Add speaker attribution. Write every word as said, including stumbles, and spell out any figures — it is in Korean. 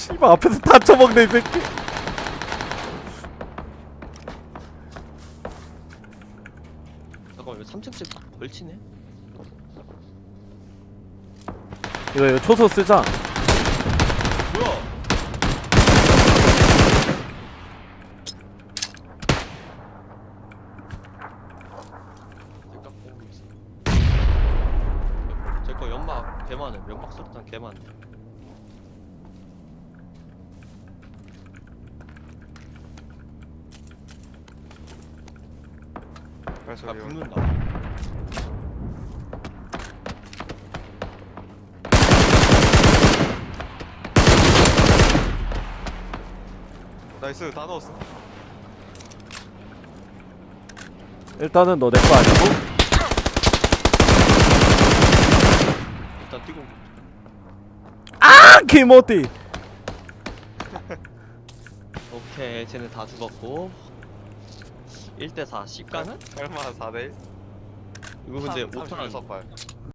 Speaker 1: 씨발 앞에서 다 쳐먹네 이 새끼.
Speaker 2: 잠깐만, 왜 삼 층씩 걸치네?
Speaker 1: 이거 이거 초소 쓰자.
Speaker 2: 뭐야? 제거 연막 개 많음. 연막 수류탄 개 많음. 아,
Speaker 3: 발소리
Speaker 2: 붙는다.
Speaker 3: 나이스 다 넣었어.
Speaker 1: 일단은 너 내 거 아니고.
Speaker 2: 일단 뛰고.
Speaker 1: 아 김어디.
Speaker 2: 오케이, 쟤네 다 죽었고. 일 대 사. 십 가는?
Speaker 3: 얼마 사 대 일?
Speaker 2: 이거 근데 오 탄
Speaker 3: 삼십육 발.